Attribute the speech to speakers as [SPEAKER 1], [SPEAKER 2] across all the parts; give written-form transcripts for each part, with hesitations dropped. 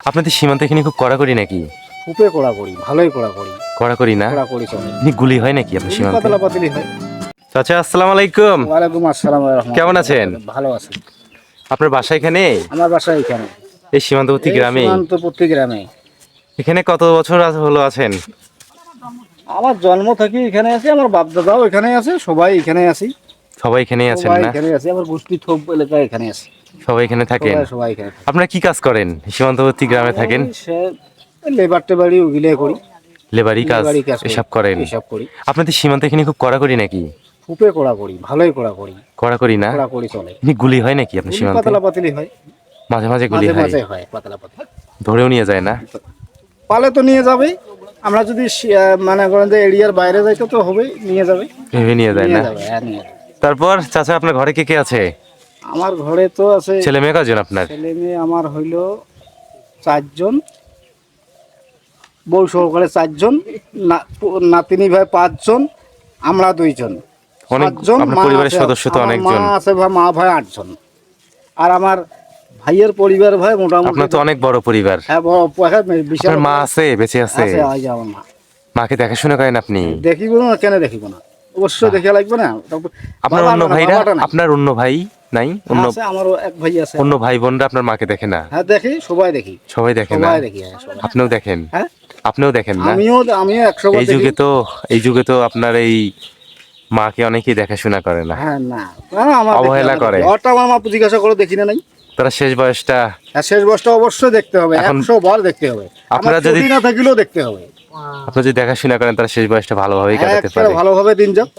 [SPEAKER 1] আপনাদের সীমান্ত এখানে খুব কড়াকড়ি নাকি?
[SPEAKER 2] খুবই কড়াকড়ি, ভালোই কড়াকড়ি।
[SPEAKER 1] কড়াকড়ি না?
[SPEAKER 2] কড়াকড়ি চলে।
[SPEAKER 1] এমনি গুলি হয় নাকি আপনার সীমান্তে?
[SPEAKER 2] পাতলা পাতলি হয়।
[SPEAKER 1] চাচা আসসালামু আলাইকুম।
[SPEAKER 2] ওয়ালাইকুম আসসালাম ওয়া রাহমাতুল্লাহ।
[SPEAKER 1] কেমন আছেন?
[SPEAKER 2] ভালো আছি।
[SPEAKER 1] আপনার বাসা এখানে?
[SPEAKER 2] আমার বাসা এখানে।
[SPEAKER 1] এই সীমান্তবর্তী গ্রামে?
[SPEAKER 2] সীমান্তবর্তী গ্রামে।
[SPEAKER 1] এখানে কত বছর হলো আছেন?
[SPEAKER 2] আমার জন্ম থেকে এখানে আছি, আমার বাপ দাদাও এখানে আছে, সবাই এখানে আছি।
[SPEAKER 1] সবাই এখানেই আছেন
[SPEAKER 2] সবাই
[SPEAKER 1] না?
[SPEAKER 2] এখানে আছি, আমার গোষ্ঠী থোপ এলাকায় এখানে আছে।
[SPEAKER 1] সবাই এখানে থাকেন?
[SPEAKER 2] সবাই এখানে থাকে।
[SPEAKER 1] আপনারা কি কাজ করেন সীমান্তবর্তী গ্রামে থাকেন?
[SPEAKER 2] লেবার টেবারি ওগুলো করি।
[SPEAKER 1] লেবারি কাজ
[SPEAKER 2] লেবারি কাজ করি।
[SPEAKER 1] এসব করেন?
[SPEAKER 2] এসব করি।
[SPEAKER 1] আপনাদের সীমান্ত এখানে খুব কড়াকড়ি নাকি?
[SPEAKER 2] খুবই কড়াকড়ি, ভালোই কড়াকড়ি।
[SPEAKER 1] কড়াকড়ি না?
[SPEAKER 2] কড়াকড়ি চলে।
[SPEAKER 1] এমনি গুলি হয় নাকি আপনার সীমান্তে?
[SPEAKER 2] পাতলা পাতলি হয়।
[SPEAKER 1] মাঝে মাঝে গুলি
[SPEAKER 2] মাঝে
[SPEAKER 1] হয়?
[SPEAKER 2] মাঝে হয় পাতলা পাতলা।
[SPEAKER 1] ধরেও নিয়ে যায় না?
[SPEAKER 2] পালে তো নিয়ে যাবে। আমরা যদি মানে করেন যে এরিয়ার বাইরে যাইতে তো হবে, নিয়ে যাবে।
[SPEAKER 1] ভেবে নিয়ে যায় না?
[SPEAKER 2] নিয়ে যাবে, হ্যাঁ নিয়ে যাবে।
[SPEAKER 1] তারপর চাচা আপনার ঘরে কে কে আছে?
[SPEAKER 2] আমার ঘরে তো আছে
[SPEAKER 1] ছেলে মেয়ে কজন আপনার?
[SPEAKER 2] ছেলে মেয়ে, আমার হইল 4 জন, বউ সহকারে 4 জন, নাতিনি ভাই 5 জন, আমরা 2 জন,
[SPEAKER 1] অনেক
[SPEAKER 2] 7 জন।
[SPEAKER 1] আপনার
[SPEAKER 2] মা
[SPEAKER 1] পরিবারের
[SPEAKER 2] আছে,
[SPEAKER 1] সদস্য তো
[SPEAKER 2] আমার
[SPEAKER 1] অনেকজন।
[SPEAKER 2] মা আছে, মা ভাই 8 জন। আর আমার ভাইয়ের পরিবার ভাই মোটামুটি।
[SPEAKER 1] আপনার তো অনেক বড় পরিবার।
[SPEAKER 2] হ্যাঁ, বিশাল।
[SPEAKER 1] আপনার মা আছে, বেঁচে আছে?
[SPEAKER 2] আছে, ওই যে আমার মা।
[SPEAKER 1] মাকে দেখাশোনা করেন আপনি?
[SPEAKER 2] দেখিব না, কেন দেখিব না, অবশ্যই দেখে লাগবে না।
[SPEAKER 1] আপনার অন্য ভাইরা, আপনার অন্য ভাই নাই? অন্য
[SPEAKER 2] আছে, আমারও এক ভাই আছে।
[SPEAKER 1] অন্য ভাই বোনরা আপনার মাকে দেখে না?
[SPEAKER 2] হ্যাঁ দেখি, সবাই দেখি।
[SPEAKER 1] সবাই দেখে না?
[SPEAKER 2] সবাই দেখি, হ্যাঁ, সবাই।
[SPEAKER 1] আপনিও দেখেন?
[SPEAKER 2] হ্যাঁ,
[SPEAKER 1] আপনিও দেখেন না?
[SPEAKER 2] আমিও 100 বার
[SPEAKER 1] এই
[SPEAKER 2] দেখি।
[SPEAKER 1] যুগে তো আপনার এই মাকে অনেকেই দেখাশোনা করে না,
[SPEAKER 2] হ্যাঁ, না আমার
[SPEAKER 1] অবহেলা করে।
[SPEAKER 2] ওটা আমার মা জিজ্ঞাসা করে দেখি না নাই।
[SPEAKER 1] তারা শেষ বয়সটা।
[SPEAKER 2] হ্যাঁ, শেষ বয়সটা অবশ্যই দেখতে হবে,
[SPEAKER 1] এখন
[SPEAKER 2] 100 বার দেখতে হবে।
[SPEAKER 1] আপনারা
[SPEAKER 2] আপনারা
[SPEAKER 1] যদি
[SPEAKER 2] যদি না থাকলেও দেখতে হবে।
[SPEAKER 1] আপনি যদি দেখাশোনা করেন তারা শেষ বয়সটা ভালোভাবেই
[SPEAKER 2] হ্যাঁ,
[SPEAKER 1] কাটাতে
[SPEAKER 2] একটা
[SPEAKER 1] পারে।
[SPEAKER 2] ভালোভাবে দিন যাক।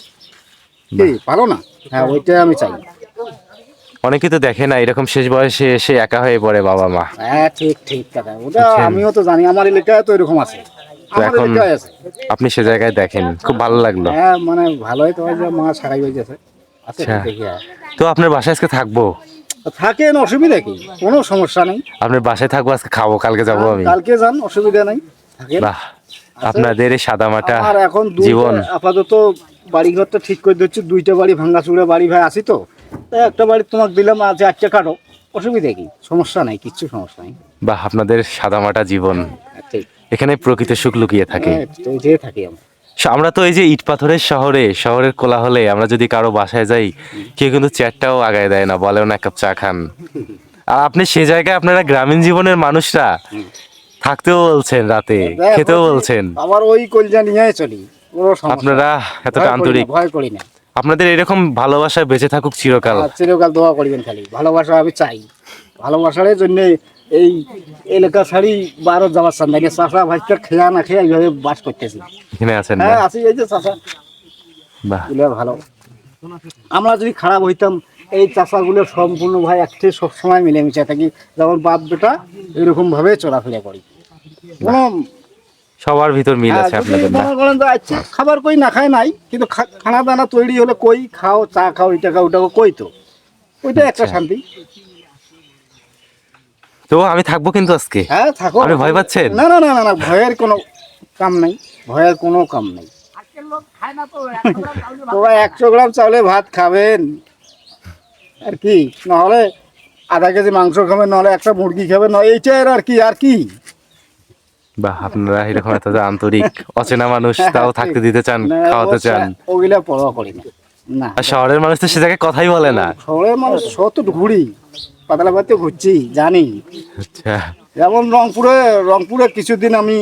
[SPEAKER 2] কি ভালো না? হ্যাঁ, ওইটাই আমি চাই।
[SPEAKER 1] অনেকেই তো দেখে না, এরকম শেষ বয়সে এসে একা হয়ে পড়ে বাবা মা।
[SPEAKER 2] হ্যাঁ, ঠিক ঠিক কথা। ওটা
[SPEAKER 1] বুঝছেন?
[SPEAKER 2] আমিও তো জানি, আমার এলাকায় তো এরকম আছে।
[SPEAKER 1] তো
[SPEAKER 2] আমার
[SPEAKER 1] এখন
[SPEAKER 2] এলাকায় আছে।
[SPEAKER 1] আপনি সে জায়গায় দেখেন, খুব ভালো লাগলো।
[SPEAKER 2] হ্যাঁ, মানে ভালোই তো হয় যে মা ছাড়াই হয়ে গেছে। আছে,
[SPEAKER 1] আচ্ছা।
[SPEAKER 2] দেখি। হ্যাঁ।
[SPEAKER 1] তো আপনার বাসায় আজকে থাকবো?
[SPEAKER 2] থাকেন, অসুবিধা কি? কোনো সমস্যা নেই।
[SPEAKER 1] আপনার বাসায় থাকবো, আজকে খাবো, কালকে যাবো আমি।
[SPEAKER 2] কালকে যান, অসুবিধা নেই। থাকেন।
[SPEAKER 1] বাহ, আপনাদের এই সাদামাটা
[SPEAKER 2] আর এখন
[SPEAKER 1] জীবন।
[SPEAKER 2] আপাতত বাড়ি ঘরটা ঠিক করে দিচ্ছি, 2টা বাড়ি ভাঙাচুরা বাড়ি ভাই আছি তো, তাই একটা বাড়ি তোমাকে দিলাম, আজ 1টা কাটো, অসুবিধা কি? সমস্যা নাই, কিচ্ছু সমস্যা নেই।
[SPEAKER 1] বাহ, আপনাদের সাদামাটা জীবন।
[SPEAKER 2] ঠিক।
[SPEAKER 1] এখানে প্রকৃত সুখ লুকিয়ে থাকে।
[SPEAKER 2] হ্যাঁ, তো যেয়ে থাকি আমরা।
[SPEAKER 1] আমরা তো এই যে ইট পাথরের শহরের কোলাহলে আমরা যদি কারো বাসায় যাই, কেউ কিন্তু চেয়ারটাও আগায় দেয় না, বলেও না এক কাপ চা খান। আর আপনি সে জায়গায় আপনারা গ্রামীণ জীবনের মানুষরা থাকতেও বলছেন, রাতে খেতেও বলছেন।
[SPEAKER 2] আমার ওই কলজা নিয়ে চলি, কোনো সমস্যা
[SPEAKER 1] আপনারা এতটা আন্তরিক।
[SPEAKER 2] ভয় করি না।
[SPEAKER 1] আপনাদের এরকম ভালোবাসা বেঁচে থাকুক চিরকাল।
[SPEAKER 2] চিরকাল দোয়া করিবেন খালি, ভালোবাসা আমি চাই। ভালোবাসার জন্য এই এলাকা ছাড়ি ভারত যাওয়ার চান নাই। চাষা ভাইটা খেয়া না খেয়ে এইভাবে বাস করতেছি।
[SPEAKER 1] এখানে আছেন না?
[SPEAKER 2] হ্যাঁ, আছি, এই যে চাষা।
[SPEAKER 1] বাহ,
[SPEAKER 2] ভালো। আমরা যদি খারাপ হইতাম, এই চাষাগুলো সম্পূর্ণ ভাই একটি সবসময় মিলেমিশে থাকি, যেমন বাপ বেটা এরকম ভাবে চলাফেরা করি। কোনো
[SPEAKER 1] সবার ভিতর মিল আছে
[SPEAKER 2] যদি
[SPEAKER 1] আপনাদের না?
[SPEAKER 2] মনে করেন যে আচ্ছা খাবার কই না খায় নাই, কিন্তু খানা দানা তৈরি হলে কই খাও, চা খাও, এটা খাও, ওটা খাও, কই তো ওইটা একটা শান্তি।
[SPEAKER 1] তো আমি থাকবো কিন্তু আজকে।
[SPEAKER 2] হ্যাঁ, থাকো।
[SPEAKER 1] আপনি ভয় পাচ্ছেন?
[SPEAKER 2] না না না না না, ভয়ের কোনো কাম নাই, ভয়ের কোনো কাম নাই। তোরা 100 গ্রাম চাউলে ভাত খাবেন আর কি, নাহলে আধা কেজি মাংস খাবেন, নাহলে একটা মুরগি খাবেন, না এইটাই আর কি। আর কি
[SPEAKER 1] বাহ, আপনারা এরকম এত যে আন্তরিক, অচেনা মানুষ তাও থাকতে দিতে চান, খাওয়াতে চান।
[SPEAKER 2] ওগুলা পরোয়া করি না। না,
[SPEAKER 1] আর শহরের মানুষ তো সে জায়গায় কথাই বলে না।
[SPEAKER 2] শহরের মানুষ শত ঘুরি, পাতলা পাতে ঘুরছি, জানি।
[SPEAKER 1] আচ্ছা,
[SPEAKER 2] যেমন রংপুরে কিছুদিন আমি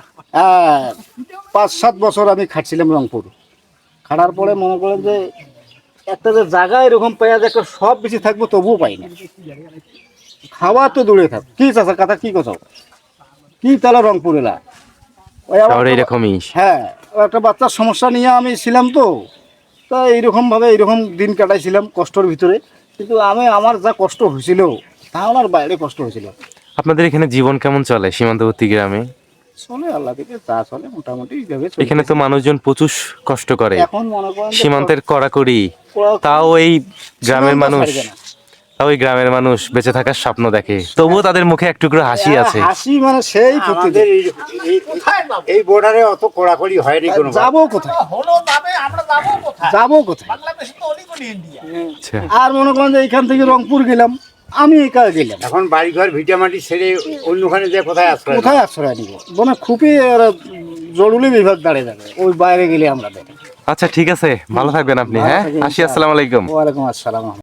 [SPEAKER 2] 5-7 বছর আমি খাটছিলাম রংপুর। খাটার পরে মনে করেন যে একটা যে জায়গা এরকম পেঁয়াজ একটা সব বেশি থাকবো, তবুও পাই না। খাওয়া তো দূরে থাক, কি চাষা কথা, কি কথা, কি তাহলে রংপুর এলা
[SPEAKER 1] শহরে এরকমই।
[SPEAKER 2] হ্যাঁ, একটা বাচ্চার সমস্যা নিয়ে আমি ছিলাম তো, তা এইরকমভাবে এইরকম দিন কাটাইছিলাম কষ্টর ভিতরে। কিন্তু আমার যা কষ্ট হয়েছিল, তা আমার বাইরে কষ্ট হয়েছিল।
[SPEAKER 1] আপনাদের এখানে জীবন কেমন চলে সীমান্তবর্তী গ্রামে?
[SPEAKER 2] চলে, আল্লাহ থেকে তা চলে মোটামুটি এইভাবে।
[SPEAKER 1] এখানে তো মানুষজন প্রচুর কষ্ট করে,
[SPEAKER 2] এখন মনে করেন যে
[SPEAKER 1] সীমান্তের কড়াকড়ি, তাও এই গ্রামের
[SPEAKER 2] সীমান্ত
[SPEAKER 1] মানুষ,
[SPEAKER 2] ছাড়বে না।
[SPEAKER 1] তাও এই গ্রামের মানুষ বেঁচে থাকার স্বপ্ন দেখে, তবুও তাদের মুখে এক টুকরো হাসি আছে।
[SPEAKER 2] হাসি মানে সেই
[SPEAKER 3] আমাদের এই বর্ডারে অত কড়াকড়ি হয়নি কোনো।
[SPEAKER 2] যাবো কোথায়, যাবো কোথায়?
[SPEAKER 1] আচ্ছা,
[SPEAKER 2] আর মনে করেন যে এইখান থেকে রংপুর গেলাম, আমি একা গেলাম,
[SPEAKER 3] এখন বাড়িঘর ভিটামাটি ছেড়ে অন্যখানে যে কোথায় আশ্রয় নেব?
[SPEAKER 2] কোথায় আশ্রয় নিব? মানে খুবই জরুরি বিভাগ দাঁড়িয়ে যাবে ওই বাইরে গেলে আমরা দেখি।
[SPEAKER 1] আচ্ছা ঠিক আছে, ভালো থাকবেন আপনি। হ্যাঁ, আসি, আসসালামু আলাইকুম।
[SPEAKER 2] ওয়ালাইকুম আসসালাম।